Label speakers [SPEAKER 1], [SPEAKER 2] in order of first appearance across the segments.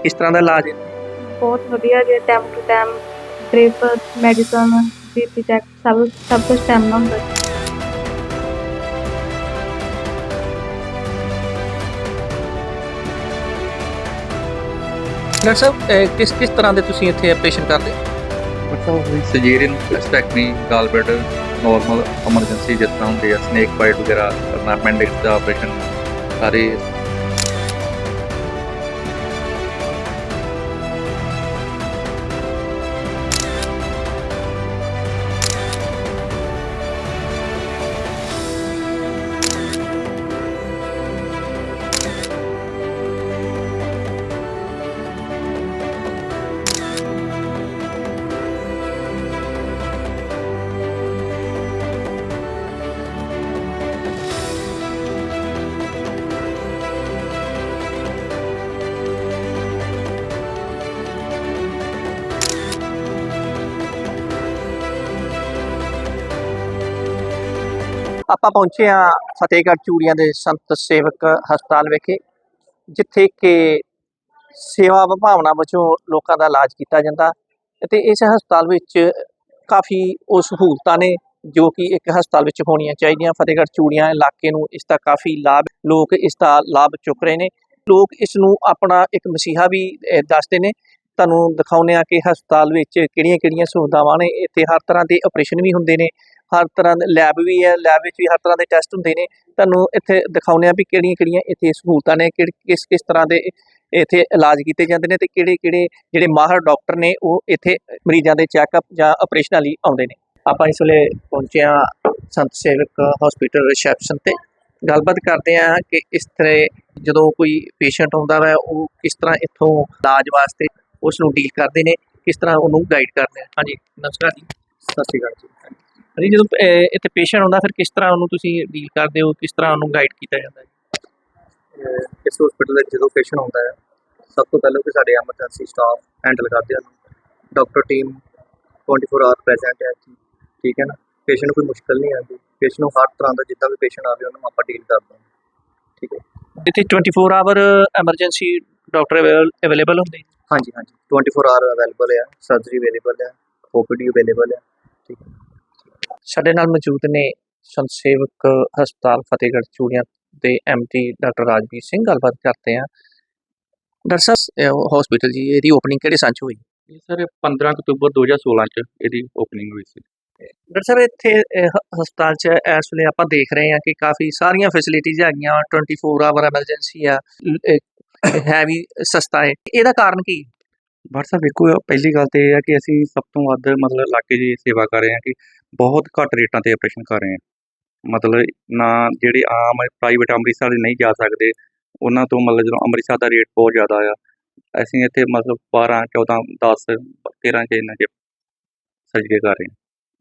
[SPEAKER 1] ਕਿਸ ਤਰ੍ਹਾਂ ਦਾ ਇਲਾਜ ਹੈ?
[SPEAKER 2] ਬਹੁਤ ਵਧੀਆ ਜੀ, time to time drip, medicine, BP check ਸਭ ਕੁਝ ਟਾਈਮ ਨਾਲ ਹੁੰਦਾ ਜੀ।
[SPEAKER 1] ਡਾਕਟਰ ਸਾਹਿਬ ਕਿਸ ਕਿਸ ਤਰ੍ਹਾਂ ਦੇ ਤੁਸੀਂ ਇੱਥੇ ਆਪਰੇਸ਼ਨ ਕਰਦੇ ਹੋ?
[SPEAKER 3] ਮਤਲਬ ਸਜੇਰੀਅਨ ਸਟੈਕਨੀ ਗਾਲਬਲੈਡਰ ਨੋਰਮਲ ਐਮਰਜੈਂਸੀ ਜਿਸ ਤਰ੍ਹਾਂ ਹੁੰਦੇ ਆ ਸਨੇਕ ਬਾਈਟ ਵਗੈਰਾ ਕਰਨਾ appendix ਦਾ ਆਪਰੇਸ਼ਨ ਸਾਰੇ
[SPEAKER 1] ਆਪਾਂ ਪਹੁੰਚੇ ਹਾਂ ਫਤਿਹਗੜ੍ਹ ਚੂੜੀਆਂ ਦੇ ਸੰਤ ਸੇਵਕ ਹਸਪਤਾਲ ਵਿਖੇ, ਜਿੱਥੇ ਕਿ ਸੇਵਾ ਵਿਭਾਵਨਾ ਵਜੋਂ ਲੋਕਾਂ ਦਾ ਇਲਾਜ ਕੀਤਾ ਜਾਂਦਾ ਅਤੇ ਇਸ ਹਸਪਤਾਲ ਵਿੱਚ ਕਾਫੀ ਉਹ ਸਹੂਲਤਾਂ ਨੇ ਜੋ ਕਿ ਇੱਕ ਹਸਪਤਾਲ ਵਿੱਚ ਹੋਣੀਆਂ ਚਾਹੀਦੀਆਂ। ਫਤਿਹਗੜ੍ਹ ਚੂੜੀਆਂ ਇਲਾਕੇ ਨੂੰ ਇਸ ਦਾ ਕਾਫੀ ਲਾਭ, ਲੋਕ ਇਸ ਦਾ ਲਾਭ ਚੁੱਕ ਰਹੇ ਨੇ। ਲੋਕ ਇਸ ਨੂੰ ਆਪਣਾ ਇੱਕ ਮਸੀਹਾ ਵੀ ਦੱਸਦੇ ਨੇ। ਤੁਹਾਨੂੰ ਦਿਖਾਉਂਦੇ ਹਾਂ ਕਿ ਹਸਪਤਾਲ ਵਿੱਚ ਕਿਹੜੀਆਂ ਸਹੂਲਤਾਵਾਂ ਨੇ। ਇੱਥੇ ਹਰ ਤਰ੍ਹਾਂ ਦੇ ਆਪਰੇਸ਼ਨ ਵੀ ਹੁੰਦੇ ਨੇ, ਹਰ ਤਰ੍ਹਾਂ ਦੇ ਲੈਬ ਵੀ ਹੈ, ਲੈਬ ਵਿੱਚ ਵੀ ਹਰ ਤਰ੍ਹਾਂ ਦੇ ਟੈਸਟ ਹੁੰਦੇ ਨੇ। ਤੁਹਾਨੂੰ ਇੱਥੇ ਦਿਖਾਉਂਦੇ ਹਾਂ ਵੀ ਕਿਹੜੀਆਂ ਇੱਥੇ ਸਹੂਲਤਾਂ ਨੇ, ਕਿਸ ਤਰ੍ਹਾਂ ਦੇ ਇੱਥੇ ਇਲਾਜ ਕੀਤੇ ਜਾਂਦੇ ਨੇ, ਅਤੇ ਕਿਹੜੇ ਜਿਹੜੇ ਮਾਹਰ ਡਾਕਟਰ ਨੇ ਉਹ ਇੱਥੇ ਮਰੀਜ਼ਾਂ ਦੇ ਚੈੱਕਅਪ ਜਾਂ ਆਪਰੇਸ਼ਨਾਂ ਲਈ ਆਉਂਦੇ ਨੇ। ਆਪਾਂ ਇਸ ਵੇਲੇ ਪਹੁੰਚੇ ਹਾਂ ਸੰਤ ਸੇਵਕ ਹਸਪੀਟਲ ਰਿਸੈਪਸ਼ਨ 'ਤੇ। ਗੱਲਬਾਤ ਕਰਦੇ ਹਾਂ ਕਿ ਇਸ ਤਰ੍ਹਾਂ ਜਦੋਂ ਕੋਈ ਪੇਸ਼ੈਂਟ ਆਉਂਦਾ ਵਾ ਉਹ ਕਿਸ ਤਰ੍ਹਾਂ ਇੱਥੋਂ ਇਲਾਜ ਵਾਸਤੇ ਉਸ ਨੂੰ ਡੀਲ ਕਰਦੇ ਨੇ, ਕਿਸ ਤਰ੍ਹਾਂ ਉਹਨੂੰ ਗਾਈਡ ਕਰਦੇ ਆ। ਹਾਂਜੀ, ਨਮਸਕਾਰ ਜੀ।
[SPEAKER 3] ਸਤਿ ਸ਼੍ਰੀ ਅਕਾਲ ਜੀ।
[SPEAKER 1] ਹਾਂਜੀ, ਜਦੋਂ ਇੱਥੇ ਪੇਸ਼ੈਂਟ ਆਉਂਦਾ ਫਿਰ ਕਿਸ ਤਰ੍ਹਾਂ ਉਹਨੂੰ ਤੁਸੀਂ ਡੀਲ ਕਰਦੇ ਹੋ, ਕਿਸ ਤਰ੍ਹਾਂ ਉਹਨੂੰ ਗਾਈਡ ਕੀਤਾ ਜਾਂਦਾ ਹੈ?
[SPEAKER 3] ਇਸ ਹਸਪੀਟਲ ਵਿੱਚ ਜਦੋਂ ਪੇਸ਼ੈਂਟ ਆਉਂਦਾ ਹੈ ਸਭ ਤੋਂ ਪਹਿਲਾਂ ਕਿ ਸਾਡੇ ਐਮਰਜੈਂਸੀ ਸਟਾਫ ਹੈਂਡਲ ਕਰਦੇ ਹਨ। ਡਾਕਟਰ ਟੀਮ 24 ਆਵਰ ਪ੍ਰੈਜ਼ੈਂਟ ਹੈ ਜੀ, ਠੀਕ ਹੈ ਨਾ। ਪੇਸ਼ੈਂਟ ਨੂੰ ਕੋਈ ਮੁਸ਼ਕਲ ਨਹੀਂ ਆਉਂਦੀ, ਪੇਸ਼ੈਂਟ ਨੂੰ ਹਰ ਤਰ੍ਹਾਂ ਦਾ ਜਿੱਦਾਂ ਵੀ ਪੇਸ਼ੈਂਟ ਆਵੇ ਉਹਨੂੰ ਆਪਾਂ ਡੀਲ ਕਰਦੇ ਹਾਂ, ਠੀਕ ਹੈ।
[SPEAKER 1] ਇੱਥੇ 24 ਆਵਰ ਐਮਰਜੈਂਸੀ ਡਾਕਟਰ ਅਵੇਲੇਬਲ ਹੁੰਦੇ?
[SPEAKER 3] ਹਾਂਜੀ 24 ਆਵਰ ਅਵੇਲੇਬਲ ਹੈ, ਸਰਜਰੀ ਅਵੇਲੇਬਲ ਹੈ, OPD ਅਵੇਲੇਬਲ ਹੈ, ਠੀਕ ਹੈ।
[SPEAKER 1] ਸਾਡੇ ਨਾਲ ਮੌਜੂਦ ਨੇ ਸੰਤ ਸੇਵਕ ਹਸਪਤਾਲ ਫਤਿਹਗੜ੍ਹ ਚੂੜੀਆਂ ਦੇ MD ਡਾਕਟਰ ਰਾਜਵੀਰ ਸਿੰਘ। ਗੱਲਬਾਤ ਕਰਦੇ ਹਾਂ। ਡਾਕਟਰ ਸਾਹਿਬ, ਹਸਪੀਟਲ ਜੀ ਇਹਦੀ ਓਪਨਿੰਗ ਕਿਹੜੇ ਸੰਨ 'ਚ ਹੋਈ?
[SPEAKER 3] ਇਹ ਸਰ 15 ਅਕਤੂਬਰ 2016 'ਚ ਇਹਦੀ ਓਪਨਿੰਗ ਹੋਈ ਸੀ।
[SPEAKER 1] ਡਾਕਟਰ ਸਾਹਿਬ, ਇੱਥੇ ਹਸਪਤਾਲ 'ਚ ਇਸ ਵੇਲੇ ਆਪਾਂ ਦੇਖ ਰਹੇ ਹਾਂ ਕਿ ਕਾਫੀ ਸਾਰੀਆਂ ਫੈਸਿਲਿਟੀਜ਼ ਹੈਗੀਆਂ। 24 ਆਵਰ ਐਮਰਜੈਂਸੀ ਆ, ਹੈ ਵੀ ਸਸਤਾ ਹੈ। ਇਹਦਾ ਕਾਰਨ ਕੀ?
[SPEAKER 3] ਡਾਕਟਰ ਸਾਹਿਬ ਵੇਖੋ, ਪਹਿਲੀ ਗੱਲ ਤਾਂ ਇਹ ਹੈ ਕਿ ਅਸੀਂ ਸਭ ਤੋਂ ਵੱਧ ਮਤਲਬ ਇਲਾਕੇ ਦੀ ਸੇਵਾ ਕਰ ਰਹੇ ਹਾਂ ਕਿ ਬਹੁਤ ਘੱਟ ਰੇਟਾਂ 'ਤੇ ਆਪਰੇਸ਼ਨ ਕਰ ਰਹੇ ਹਾਂ। ਮਤਲਬ ਨਾ ਜਿਹੜੇ ਆਮ ਪ੍ਰਾਈਵੇਟ ਅੰਮ੍ਰਿਤਸਰ ਨਹੀਂ ਜਾ ਸਕਦੇ ਉਹਨਾਂ ਤੋਂ ਮਤਲਬ ਜਦੋਂ ਅੰਮ੍ਰਿਤਸਰ ਦਾ ਰੇਟ ਬਹੁਤ ਜ਼ਿਆਦਾ ਆ, ਅਸੀਂ ਇੱਥੇ ਮਤਲਬ 12, 14, 10, 13 'ਚ ਇਹਨਾਂ 'ਚ ਸਰਜਰੀ ਕਰ ਰਹੇ ਹਾਂ।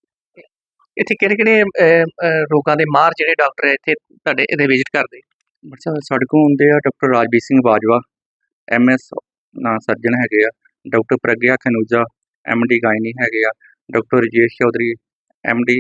[SPEAKER 1] ਇੱਥੇ ਕਿਹੜੇ ਰੋਗਾਂ ਦੇ ਮਾਹਰ ਜਿਹੜੇ ਡਾਕਟਰ ਹੈ ਇੱਥੇ ਤੁਹਾਡੇ ਇਹਦੇ ਵਿਜ਼ਿਟ ਕਰਦੇ?
[SPEAKER 3] ਡਾਕਟਰ ਸਾਹਿਬ ਸਾਡੇ ਕੋਲ ਹੁੰਦੇ ਆ ਡਾਕਟਰ ਰਾਜਵੀਰ ਸਿੰਘ ਬਾਜਵਾ, MS ਨਾਂ ਸਰਜਨ ਹੈਗੇ ਆ। Doctor Pragya Khanuja, MD gynae ਹੈਗੇ ਆ। Doctor Rajesh Chaudhary, MD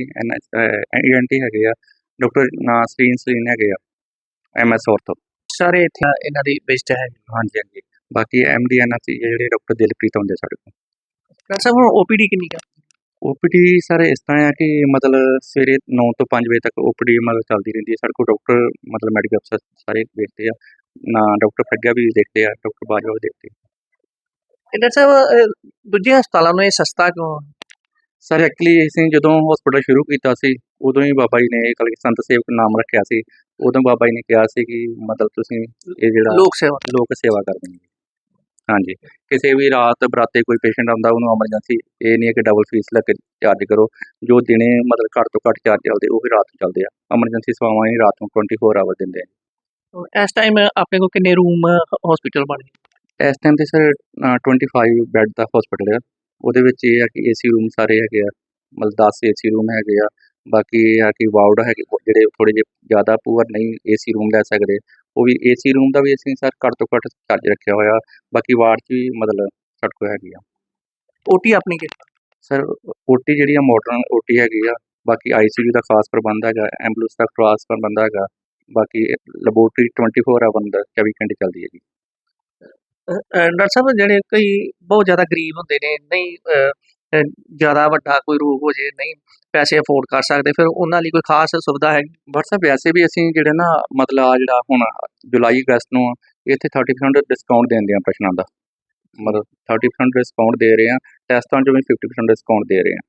[SPEAKER 3] ENT ਹੈਗੇ ਆ। ਡਾਕਟਰ ਸਲੀਨ ਹੈਗੇ ਆ, MS ਔਰਥੋ।
[SPEAKER 1] ਸਾਰੇ ਇੱਥੇ ਇਹਨਾਂ ਦੀ ਵਿਜ਼ਿਟ ਹੈ?
[SPEAKER 3] ਹਾਂਜੀ। ਬਾਕੀ MD NC ਜਿਹੜੇ ਡਾਕਟਰ ਦਿਲਪ੍ਰੀਤ ਆਉਂਦੇ ਸਾਡੇ ਕੋਲ।
[SPEAKER 1] ਡਾਕਟਰ ਸਾਹਿਬ, ਹੁਣ OPD ਕਿੰਨੀ ਕੁ?
[SPEAKER 3] OPD ਸਰ ਇਸ ਤਰ੍ਹਾਂ ਆ ਕਿ ਮਤਲਬ ਸਵੇਰੇ 9 ਤੋਂ 5 ਵਜੇ ਤੱਕ OPD ਮਤਲਬ ਚੱਲਦੀ ਰਹਿੰਦੀ ਹੈ। ਸਾਡੇ ਕੋਲ ਡਾਕਟਰ ਮਤਲਬ ਮੈਡੀਕਲ ਅਫਸਰ ਸਾਰੇ ਦੇਖਦੇ ਆ, ਨਾ ਡਾਕਟਰ ਪ੍ਰਗਿਆ ਵੀ ਦੇਖਦੇ ਆ, ਡਾਕਟਰ ਬਾਜਵਾ ਵੀ ਦੇਖਦੇ ਆ।
[SPEAKER 1] ਡਾਕਟਰ ਸਾਹਿਬ, ਦੂਜੇ ਹਸਪਤਾਲਾਂ ਨੂੰ ਇਹ ਸਸਤਾ ਕਿਉਂ?
[SPEAKER 3] ਸਰ ਐਕਚੁਅਲੀ ਅਸੀਂ ਜਦੋਂ ਹਸਪੀਟਲ ਸ਼ੁਰੂ ਕੀਤਾ ਸੀ ਉਦੋਂ ਹੀ ਬਾਬਾ ਜੀ ਨੇ ਕਲਗੀ ਸੰਤ ਸੇਵਕ ਨਾਮ ਰੱਖਿਆ ਸੀ। ਉਦੋਂ ਬਾਬਾ ਜੀ ਨੇ ਕਿਹਾ ਸੀ ਕਿ ਮਤਲਬ ਤੁਸੀਂ ਇਹ ਜਿਹੜਾ
[SPEAKER 1] ਲੋਕ ਸੇਵਾ
[SPEAKER 3] ਕਰਦੇ ਨੇ। ਹਾਂਜੀ, ਕਿਸੇ ਵੀ ਰਾਤ ਬਰਾਤੇ ਕੋਈ ਪੇਸ਼ੈਂਟ ਆਉਂਦਾ ਉਹਨੂੰ ਐਮਰਜੈਂਸੀ ਇਹ ਨਹੀਂ ਹੈ ਕਿ ਡਬਲ ਫੀਸ ਲੱਗ ਕੇ ਚਾਰਜ ਕਰੋ। ਜੋ ਦਿਨੇ ਮਤਲਬ ਘੱਟ ਤੋਂ ਘੱਟ ਚਾਰਜ ਚੱਲਦੇ ਉਹ ਵੀ ਰਾਤ ਨੂੰ ਚੱਲਦੇ ਆ। ਐਮਰਜੈਂਸੀ ਸੇਵਾਵਾਂ ਹੀ ਰਾਤ ਨੂੰ 24 ਆਵਰ ਦਿੰਦੇ ਆ।
[SPEAKER 1] ਇਸ ਟਾਈਮ ਆਪਣੇ ਕੋਲ ਕਿੰਨੇ ਰੂਮ ਹਸਪੀਟਲ ਬਣੇ?
[SPEAKER 3] ਇਸ ਟਾਈਮ 'ਤੇ ਸਰ 25 ਬੈੱਡ ਦਾ ਹਸਪੀਟਲ ਆ। ਉਹਦੇ ਵਿੱਚ ਇਹ ਆ ਕਿ AC ਰੂਮ ਸਾਰੇ ਹੈਗੇ ਆ, ਮਤਲਬ 10 AC ਰੂਮ ਹੈਗੇ ਆ। ਬਾਕੀ ਇਹ ਆ ਕਿ ਵਾਰਡ ਹੈਗੇ ਜਿਹੜੇ ਥੋੜ੍ਹੇ ਜਿਹੇ ਜ਼ਿਆਦਾ ਪੂਅਰ ਨਹੀਂ AC ਰੂਮ ਲੈ ਸਕਦੇ, ਉਹ ਵੀ AC ਰੂਮ ਦਾ ਵੀ ਅਸੀਂ ਸਰ ਘੱਟ ਤੋਂ ਘੱਟ ਚਾਰਜ ਰੱਖਿਆ ਹੋਇਆ। ਬਾਕੀ ਵਾਰਡ 'ਚ ਵੀ ਮਤਲਬ ਸਾਡੇ ਕੋਲ ਹੈਗੀ ਆ।
[SPEAKER 1] OT ਆਪਣੀ ਕਿੱਥੇ?
[SPEAKER 3] ਸਰ OT ਜਿਹੜੀ ਆ ਮਾਡਰਨ OT ਹੈਗੀ ਆ। ਬਾਕੀ ICU ਦਾ ਖਾਸ ਪ੍ਰਬੰਧ ਹੈਗਾ, ਐਂਬੂਲੈਂਸ ਦਾ ਖਾਸ ਪ੍ਰਬੰਧ ਹੈਗਾ। ਬਾਕੀ ਲੈਬੋਰਟਰੀ 24 ਆਵਰ 24 ਘੰਟੇ ਚੱਲਦੀ ਹੈਗੀ।
[SPEAKER 1] ਡਾਕਟਰ ਸਾਹਿਬ ਜਿਹੜੇ ਕਈ ਬਹੁਤ ਜ਼ਿਆਦਾ ਗਰੀਬ ਹੁੰਦੇ ਨੇ ਨਹੀਂ ਜ਼ਿਆਦਾ ਵੱਡਾ ਕੋਈ ਰੋਗ ਹੋ ਜੇ ਨਹੀਂ ਪੈਸੇ ਅਫੋਰਡ ਕਰ ਸਕਦੇ ਫਿਰ ਉਹਨਾਂ ਲਈ ਕੋਈ ਖਾਸ ਸੁਵਿਧਾ ਹੈ?
[SPEAKER 3] WhatsApp ਵੈਸੇ ਵੀ ਅਸੀਂ ਜਿਹੜੇ ਨਾ ਮਤਲਬ ਆ ਜਿਹੜਾ ਹੁਣ ਜੁਲਾਈ ਅਗਸਤ ਨੂੰ ਇੱਥੇ 30% ਡਿਸਕਾਊਂਟ ਦਿੰਦੇ ਆ ਪ੍ਰਸ਼ਨਾਂ ਦਾ, ਮਤਲਬ 30% ਡਿਸਕਾਊਂਟ ਦੇ ਰਹੇ ਆ, ਟੈਸਟਾਂ 'ਚੋਂ ਵੀ 50% ਡਿਸਕਾਊਂਟ ਦੇ ਰਹੇ ਆ।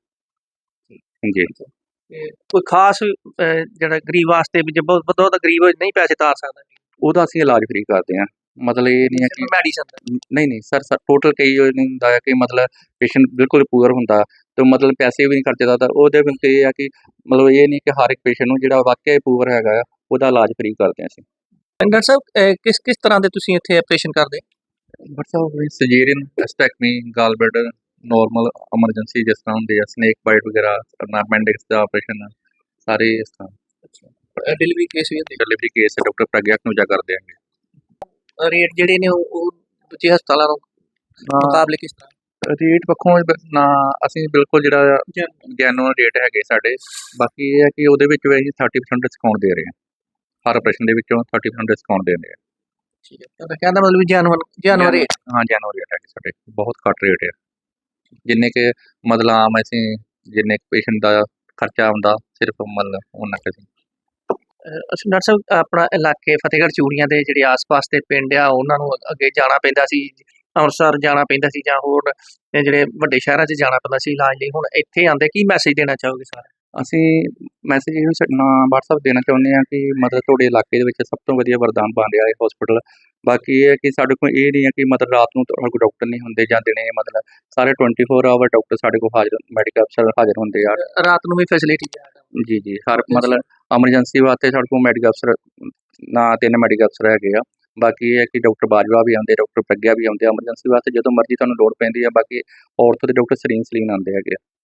[SPEAKER 3] ਜੀ
[SPEAKER 1] ਤੇ ਕੋਈ ਖਾਸ ਜਿਹੜਾ ਗਰੀਬ ਵਾਸਤੇ ਵੀ ਜੇ ਬਹੁਤ ਬਹੁਤ ਗਰੀਬ ਨਹੀਂ ਪੈਸੇ ਤਾਰ ਸਕਦਾ
[SPEAKER 3] ਉਹਦਾ ਅਸੀਂ ਇਲਾਜ ਫ੍ਰੀ ਕਰਦੇ ਆ, ਮਤਲਬ ਇਹ ਨਹੀਂ ਹੈ ਕਿ
[SPEAKER 1] ਮੈਡੀਸਨ
[SPEAKER 3] ਨਹੀਂ ਸਰ ਟੋਟਲ ਕਈ ਉਹ ਨਹੀਂ ਹੁੰਦਾ ਹੈ ਕਿ ਮਤਲਬ ਪੇਸ਼ੈਂਟ ਬਿਲਕੁਲ ਪੂਅਰ ਹੁੰਦਾ ਤੇ ਮਤਲਬ ਪੈਸੇ ਵੀ ਨਹੀਂ ਖਰਚਦਾ, ਤਾਂ ਉਹਦੇ ਵਿੱਚ ਇਹ ਆ ਕਿ ਮਤਲਬ ਇਹ ਨਹੀਂ ਕਿ ਹਰ ਇੱਕ ਪੇਸ਼ੈਂਟ ਨੂੰ ਜਿਹੜਾ ਵਾਕਿਆ ਪੂਅਰ ਹੈਗਾ ਆ ਉਹਦਾ ਇਲਾਜ ਫ੍ਰੀ ਕਰਦੇ ਆ ਅਸੀਂ।
[SPEAKER 1] ਡਾਕਟਰ ਸਾਹਿਬ ਕਿਸ ਤਰ੍ਹਾਂ ਦੇ ਤੁਸੀਂ ਇੱਥੇ ਆਪਰੇਸ਼ਨ ਕਰਦੇ?
[SPEAKER 3] WhatsApp ਸਰਜਰੀਨ, ਐਸਟੈਕਮੀ, ਗਾਲਬਲੈਡਰ, ਨੋਰਮਲ ਐਮਰਜੈਂਸੀ ਜਿਸ ਤਰ੍ਹਾਂ ਹੁੰਦੇ ਆ, ਸਨੇਕ ਬਾਈਟ ਵਗੈਰਾ, ਅਪੈਂਡਿਕਸ ਦਾ ਆਪਰੇਸ਼ਨ, ਸਾਰੇ ਇਸ ਤਰ੍ਹਾਂ
[SPEAKER 1] ਡਿਲੀਵਰੀ ਕੇਸ ਵੀ ਹੁੰਦੇ?
[SPEAKER 3] Delivery case doctor Pragya Khanuja ਕਰਦੇ ਹੈਗੇ।
[SPEAKER 1] ਰੇਟ ਜਿਹੜੇ ਨੇ ਉਹ ਦੂਜੇ ਹਸਪਤਾਲਾਂ ਨੂੰ ਮੁਕਾਬਲੇ ਕਿਸ ਤਰ੍ਹਾਂ?
[SPEAKER 3] ਰੇਟ ਪੱਖੋਂ ਨਾ ਅਸੀਂ ਬਿਲਕੁਲ ਜਿਹੜਾ ਜੈਨੂਅਨ ਰੇਟ ਹੈਗੇ ਸਾਡੇ, ਬਾਕੀ ਇਹ ਹੈ ਕਿ ਉਹਦੇ ਵਿੱਚ ਵੀ ਅਸੀਂ 30% ਡਿਸਕਾਊਂਟ ਦੇ ਰਹੇ ਹਾਂ, ਹਰ ਆਪਰੇਸ਼ਨ ਦੇ ਵਿੱਚੋਂ 30% ਡਿਸਕਾਊਂਟ ਦੇ ਰਹੇ ਹਾਂ।
[SPEAKER 1] ਠੀਕ ਹੈ, ਤੁਹਾਡਾ ਕਹਿਣ ਦਾ ਮਤਲਬ ਜੈਨੂਅਨ ਰੇਟ?
[SPEAKER 3] ਹਾਂ ਜੈਨੂਅਨ ਰੇਟ ਹੈਗੇ ਸਾਡੇ, ਬਹੁਤ ਘੱਟ ਰੇਟ ਹੈ, ਜਿੰਨੇ ਕਿ ਮਤਲਬ ਆਮ ਅਸੀਂ ਜਿੰਨੇ ਪੇਸ਼ੈਂਟ ਦਾ ਖਰਚਾ ਆਉਂਦਾ ਸਿਰਫ ਮਤਲਬ ਉਹਨਾਂ ਕੁ ਅਸੀਂ।
[SPEAKER 1] ਅਸੀਂ ਡਾਕਟਰ ਸਾਹਿਬ ਆਪਣਾ ਇਲਾਕੇ ਫਤਿਹਗੜ੍ਹ ਚੂੜੀਆਂ ਦੇ ਜਿਹੜੇ ਆਸ-ਪਾਸ ਦੇ ਪਿੰਡ ਆ ਉਹਨਾਂ ਨੂੰ ਅੱਗੇ ਜਾਣਾ ਪੈਂਦਾ ਸੀ, ਅੰਮ੍ਰਿਤਸਰ ਜਾਣਾ ਪੈਂਦਾ ਸੀ ਜਾਂ ਹੋਰ ਜਿਹੜੇ ਵੱਡੇ ਸ਼ਹਿਰਾਂ 'ਚ ਜਾਣਾ ਪੈਂਦਾ ਸੀ ਇਲਾਜ ਲਈ, ਹੁਣ ਇੱਥੇ ਆਉਂਦੇ ਕੀ ਮੈਸੇਜ ਦੇਣਾ ਚਾਹੋਗੇ ਸਰ?
[SPEAKER 3] ਅਸੀਂ ਮੈਸੇਜ ਇਹ WhatsApp ਦੇਣਾ ਚਾਹੁੰਦੇ ਹਾਂ ਕਿ ਮਤਲਬ ਤੁਹਾਡੇ ਇਲਾਕੇ ਦੇ ਵਿੱਚ ਸਭ ਤੋਂ ਵਧੀਆ ਵਰਦਾਨ ਬਣ ਰਿਹਾ ਹੈ ਹਸਪੀਟਲ। ਬਾਕੀ ਇਹ ਹੈ ਕਿ ਸਾਡੇ ਕੋਲ ਇਹ ਨਹੀਂ ਹੈ ਕਿ ਮਤਲਬ ਰਾਤ ਨੂੰ ਸਾਡੇ ਕੋਲ ਡਾਕਟਰ ਨਹੀਂ ਹੁੰਦੇ ਜਾਂ ਦਿਨੇ, ਮਤਲਬ ਸਾਰੇ 24 ਆਵਰ ਡਾਕਟਰ ਸਾਡੇ ਕੋਲ ਹਾਜ਼ਰ, ਮੈਡੀਕਲ ਅਫਸਰ ਹਾਜ਼ਰ ਹੁੰਦੇ ਆ।
[SPEAKER 1] ਰਾਤ ਨੂੰ ਵੀ ਫੈਸਿਲਿਟੀ ਹੈ?
[SPEAKER 3] ਜੀ ਹਰ ਮਤਲਬ ਐਮਰਜੈਂਸੀ ਵਾਸਤੇ ਸਾਡੇ ਕੋਲ ਮੈਡੀਕਲ ਅਫਸਰ ਨਾ 3 ਮੈਡੀਕਲ ਅਫਸਰ ਹੈਗੇ ਆ। ਬਾਕੀ ਇਹ ਹੈ ਕਿ ਡਾਕਟਰ ਬਾਜਵਾ ਵੀ ਆਉਂਦੇ, ਡਾਕਟਰ ਪ੍ਰਗਿਆ ਵੀ ਆਉਂਦੇ ਐਮਰਜੈਂਸੀ ਵਾਸਤੇ ਜਦੋਂ ਮਰਜ਼ੀ ਤੁਹਾਨੂੰ ਲੋੜ ਪੈਂਦੀ ਆ। ਬਾਕੀ ਔਰਥੋ ਦੇ ਡਾਕਟਰ ਸਲੀਨ ਆਉਂਦੇ ਹੈਗੇ ਆ।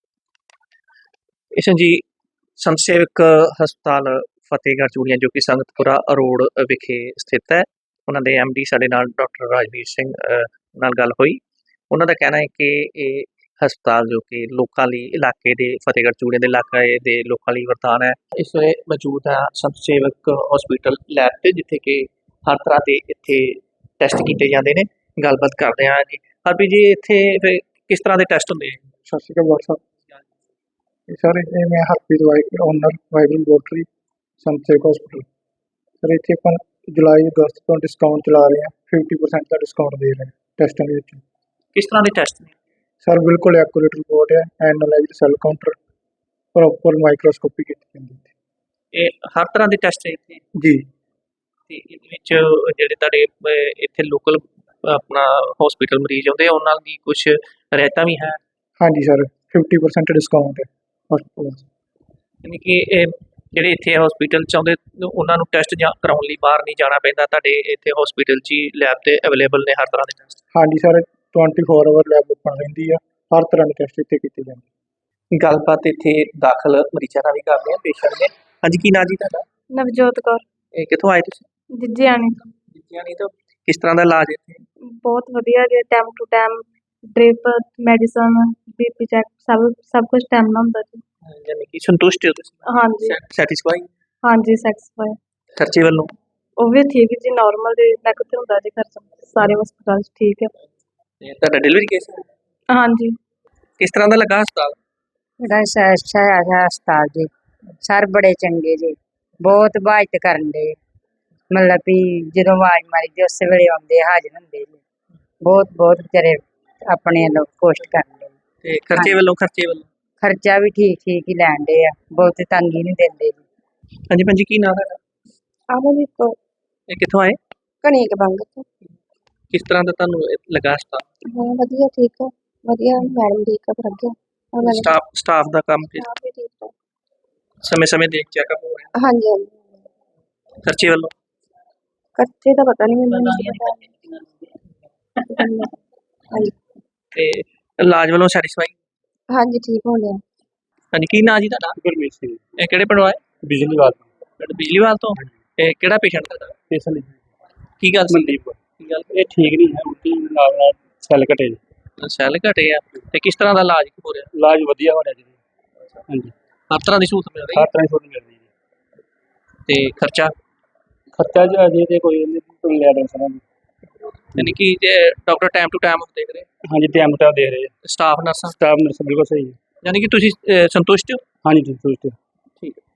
[SPEAKER 1] ਇਸ਼ਨ ਜੀ ਸੰਤ ਸੇਵਕ ਹਸਪਤਾਲ ਫਤਿਹਗੜ੍ਹ ਚੂੜੀਆਂ ਜੋ ਕਿ ਸੰਗਤਪੁਰਾ ਰੋਡ ਵਿਖੇ ਸਥਿਤ ਹੈ, ਉਹਨਾਂ ਦੇ MD ਸਾਡੇ ਨਾਲ ਡਾਕਟਰ ਰਾਜਵੀਰ ਸਿੰਘ ਨਾਲ ਗੱਲ ਹੋਈ। ਉਹਨਾਂ ਦਾ ਕਹਿਣਾ ਹੈ ਕਿ ਇਹ ਹਸਪਤਾਲ ਜੋ ਕਿ ਲੋਕਾਂ ਲਈ ਇਲਾਕੇ ਦੇ ਫਤਿਹਗੜ੍ਹ ਚੂੜੀਆਂ ਦੇ ਇਲਾਕੇ ਦੇ ਲੋਕਾਂ ਲਈ ਵਰਦਾਨ ਹੈ। ਇਸ ਵੇਲੇ ਮੌਜੂਦ ਹੈ ਸੰਤ ਸੇਵਕ ਹਸਪੀਟਲ ਲੈਬ ਤੇ, ਜਿੱਥੇ ਕਿ ਹਰ ਤਰ੍ਹਾਂ ਦੇ ਇੱਥੇ ਟੈਸਟ ਕੀਤੇ ਜਾਂਦੇ ਨੇ। ਗੱਲਬਾਤ ਕਰਦੇ ਹਾਂ ਜੀ। ਹਰਪ੍ਰੀਤ ਜੀ, ਇੱਥੇ ਫਿਰ ਕਿਸ ਤਰ੍ਹਾਂ ਦੇ ਟੈਸਟ ਹੁੰਦੇ?
[SPEAKER 4] ਸਤਿ ਸ਼੍ਰੀ ਅਕਾਲ ਡਾਕਟਰ ਸਾਹਿਬ। ਸਰ ਇੱਥੇ ਮੈਂ ਹਰਪ੍ਰੀਤ ਓਨਰ ਵਾਈਬਲ ਲੈਬੋਰਟਰੀ ਸੰਤ ਸੇਵਕ ਹਸਪੀਟਲ। ਸਰ ਇੱਥੇ ਆਪਾਂ ਜੁਲਾਈ ਅਗਸਤ ਤੋਂ ਡਿਸਕਾਊਂਟ ਚਲਾ ਰਹੇ ਹਾਂ, 50% ਦਾ ਡਿਸਕਾਊਂਟ ਦੇ ਰਹੇ ਹਾਂ ਟੈਸਟਾਂ ਦੇ ਵਿੱਚ।
[SPEAKER 1] ਕਿਸ ਤਰ੍ਹਾਂ ਦੇ ਟੈਸਟ ਨੇ?
[SPEAKER 4] ਸਰ ਬਿਲਕੁਲ ਐਕੂਰੇਟ ਰਿਪੋਰਟ ਹੈ, analysed cell counter, proper microscopy ਕੀਤੀ ਜਾਂਦੀ ਹੈ।
[SPEAKER 1] ਇਹ ਹਰ ਤਰ੍ਹਾਂ ਦੇ ਟੈਸਟ ਹੈ ਇੱਥੇ
[SPEAKER 4] ਜੀ।
[SPEAKER 1] ਤੇ ਇਹਦੇ ਵਿੱਚ ਜਿਹੜੇ ਤੁਹਾਡੇ ਇੱਥੇ ਲੋਕਲ ਆਪਣਾ ਹਸਪੀਟਲ ਮਰੀਜ਼ ਆਉਂਦੇ ਆ ਉਹਨਾਂ ਦੀ ਕੁਝ ਰਿਆਇਤਾਂ ਵੀ ਹੈ?
[SPEAKER 4] ਹਾਂਜੀ ਸਰ, 50% ਡਿਸਕਾਊਂਟ ਹੈ ਹਸਪਤਾਲ।
[SPEAKER 1] ਯਾਨੀ ਕਿ ਇਹ ਜਿਹੜੇ ਇੱਥੇ ਹਸਪੀਟਲ 'ਚ ਆਉਂਦੇ ਉਹਨਾਂ ਨੂੰ ਟੈਸਟ ਜਾਂ ਕਰਾਉਣ ਲਈ ਬਾਹਰ ਨਹੀਂ ਜਾਣਾ ਪੈਂਦਾ, ਤੁਹਾਡੇ ਇੱਥੇ ਹਸਪੀਟਲ 'ਚ ਹੀ ਲੈਬ ਤੇ ਅਵੇਲੇਬਲ ਨੇ ਹਰ ਤਰ੍ਹਾਂ ਦੇ ਟੈਸਟ?
[SPEAKER 4] ਹਾਂਜੀ ਸਰ, 24 ਆਵਰ ਲੈਬ ਓਪਨ ਰਹਿੰਦੀ ਆ, ਹਰ ਤਰ੍ਹਾਂ ਦੇ ਟੈਸਟ ਇੱਥੇ ਕੀਤੇ ਜਾਂਦੇ।
[SPEAKER 1] ਗੱਲਬਾਤ ਇੱਥੇ ਦਾਖਲ ਮਰੀਜ਼ਾਂ ਨਾਲ ਵੀ ਕਰਦੇ ਆ, ਪੇਸ਼ੈਂਟ ਨੇ। ਹਾਂਜੀ, ਕੀ ਨਾਂ ਜੀ ਤੁਹਾਡਾ?
[SPEAKER 2] ਨਵਜੋਤ ਕੌਰ,
[SPEAKER 1] ਇਹ ਕਿੱਥੋਂ ਆਏ ਤੁਸੀਂ?
[SPEAKER 2] ਜਿੱਜਿਆਣੀ ਤੋਂ।
[SPEAKER 1] ਜਿੱਤਿਆਣੀ ਤੋਂ। ਕਿਸ ਤਰ੍ਹਾਂ ਦਾ ਇਲਾਜ ਇੱਥੇ?
[SPEAKER 2] ਬਹੁਤ ਵਧੀਆ ਜੀ, time to time drip, medicine, BP check ਸਭ ਕੁਝ ਟਾਈਮ ਨਾਲ ਹੁੰਦਾ ਜੀ।
[SPEAKER 1] ਯਾਨੀ ਕਿ ਸੰਤੁਸ਼ਟ ਹੋ ਤੁਸੀਂ?
[SPEAKER 2] ਹਾਂਜੀ
[SPEAKER 1] ਸੈਟੀਸਫਾਈ?
[SPEAKER 2] ਹਾਂਜੀ ਸੈਟੀਸਫਾਈ।
[SPEAKER 1] ਖਰਚੇ ਵੱਲੋਂ?
[SPEAKER 2] ਉਹ ਵੀ ਠੀਕ ਜੀ, ਨਾਰਮਲ ਜੀ, ਨਾ ਕਿਤੇ ਹੁੰਦਾ ਜੀ ਖਰਚਾ, ਸਾਰੇ ਹਸਪਤਾਲ 'ਚ ਠੀਕ ਹੈ।
[SPEAKER 1] ਤੇ ਤੁਹਾਡਾ ਡਿਲੀਵਰੀ ਕੇਸ?
[SPEAKER 2] ਹਾਂਜੀ।
[SPEAKER 1] ਕਿਸ ਤਰ੍ਹਾਂ ਦਾ ਲੱਗਾ ਹਸਪਤਾਲ?
[SPEAKER 5] ਬੜਾ ਅੱਛਾ ਹੈ ਹਸਪਤਾਲ ਜੀ, ਸਰ ਬੜੇ ਚੰਗੇ ਜੀ, ਬਹੁਤ ਇਬਾਦਤ ਕਰਨ ਦੇ, ਮਤਲਬ ਵੀ ਜਦੋਂ ਆਵਾਜ਼ ਮਾਰੀ ਦੀ ਉਸੇ ਵੇਲੇ ਆਉਂਦੇ ਹਾਜ਼ਰ ਹੁੰਦੇ ਜੀ, ਬਹੁਤ ਵਿਚਾਰੇ ਆਪਣੇ ਵੱਲੋਂ ਕੋਸ਼ਿਸ਼ ਕਰਦੇ।
[SPEAKER 1] ਤੇ ਖਰਚੇ ਵੱਲੋਂ?
[SPEAKER 5] ਖਰਚਾ ਵੀ ਠੀਕ ਹੀ ਲੈਣ ਦੇ ਆ, ਬਹੁਤ ਤੰਗੀ ਨਹੀਂ ਦਿੰਦੇ ਜੀ।
[SPEAKER 1] ਹਾਂਜੀ ਭੈਣ ਜੀ, ਕੀ ਨਾਂ ਤੁਹਾਡਾ?
[SPEAKER 2] ਆਮਨਦੀਪ ਕੌਰ,
[SPEAKER 1] ਇਹ ਕਿੱਥੋਂ ਆਏ?
[SPEAKER 2] ਕਣੀਕ ਬੰਗ ਤੋਂ।
[SPEAKER 1] ਕਿਸ ਤਰ੍ਹਾਂ ਦਾ ਤੁਹਾਨੂੰ ਲੱਗਾ ਹਸਪਤਾਲ?
[SPEAKER 2] ਹਾਂ ਵਧੀਆ, ਠੀਕ ਹੈ, ਵਧੀਆ ਮੈਡਮ ਠੀਕ ਹੈ, ਵਧੀਆ
[SPEAKER 1] ਸਟਾਫ ਦਾ ਕੰਮ
[SPEAKER 2] ਵੀ ਠੀਕ ਹੈ।
[SPEAKER 1] ਸਮੇਂ ਦੇਖ ਚੈੱਕਅਪ ਹੋ ਰਿਹਾ?
[SPEAKER 2] ਹਾਂਜੀ ਹਾਂਜੀ।
[SPEAKER 1] ਖਰਚੇ ਵੱਲੋਂ?
[SPEAKER 2] ਖਰਚੇ ਦਾ ਪਤਾ ਨਹੀਂ ਮੈਨੂੰ। ਹਾਂਜੀ
[SPEAKER 1] ਤੇ ਇਲਾਜ ਵੱਲੋਂ ਸੈਟੀਸਫਾਈ?
[SPEAKER 2] ਹਾਂਜੀ, ਠੀਕ ਹੋ ਗਿਆ।
[SPEAKER 1] ਹਾਂਜੀ, ਕੀ ਨਾਂ ਜੀ ਤੁਹਾਡਾ?
[SPEAKER 4] ਗੁਰਮੀਤ ਸਿੰਘ,
[SPEAKER 1] ਇਹ ਕਿਹੜੇ ਪਿੰਡੋਂ ਆਏ?
[SPEAKER 4] ਬਿਜਲੀਵਾਲ
[SPEAKER 1] ਪਿੰਡ ਬਿਜਲੀਵਾਲ ਤੋਂ। ਇਹ ਕਿਹੜਾ ਪੇਸ਼ੈਂਟ ਤੁਹਾਡਾ?
[SPEAKER 4] ਪੇਸ਼ੈਂਟ
[SPEAKER 1] ਕੀ ਗੱਲ ਸੀ?
[SPEAKER 4] ਮਨਦੀਪ,
[SPEAKER 1] ਕੀ ਗੱਲ?
[SPEAKER 4] ਇਹ ਠੀਕ ਨਹੀਂ ਹੈ, ਉਲਟੀ ਨਾਲ ਸੈੱਲ ਘਟੇ।
[SPEAKER 1] ਸੈੱਲ ਘਟੇ ਆ ਤੇ ਕਿਸ ਤਰ੍ਹਾਂ ਦਾ ਇਲਾਜ ਹੋ ਰਿਹਾ?
[SPEAKER 4] ਇਲਾਜ ਵਧੀਆ ਹੋ ਰਿਹਾ ਜੀ। ਹਾਂਜੀ,
[SPEAKER 1] ਹਰ ਤਰ੍ਹਾਂ ਦੀ ਸਹੂਲਤ ਮਿਲ ਰਹੀ
[SPEAKER 4] ਹਰ ਤਰ੍ਹਾਂ ਦੀ ਸਹੂਲਤ ਮਿਲ ਰਹੀ ਹੈ।
[SPEAKER 1] ਤੇ ਖਰਚਾ?
[SPEAKER 4] ਖਰਚਾ ਜੀ ਅਜੇ ਤੇ ਕੋਈ ਨਹੀਂ, ਲੈ ਰਹੇ ਸਰਾਂ
[SPEAKER 1] ਯਾਨੀ ਕਿ ਜੇ ਡਾਕਟਰ ਟਾਈਮ ਟੂ ਟਾਈਮ ਦੇਖ ਰਹੇ,
[SPEAKER 6] ਹਾਂਜੀ ਟਾਈਮ ਟਾਈਮ ਦੇ ਰਹੇ
[SPEAKER 1] ਸਟਾਫ ਨਰਸਾਂ,
[SPEAKER 6] ਸਟਾਫ ਨਰਸ ਬਿਲਕੁਲ ਸਹੀ ਹੈ।
[SPEAKER 1] ਯਾਨੀ ਕਿ ਤੁਸੀਂ ਸੰਤੁਸ਼ਟ ਹੋ?
[SPEAKER 6] ਹਾਂਜੀ ਜੀ ਸੰਤੁਸ਼ਟ।
[SPEAKER 1] ਠੀਕ ਹੈ।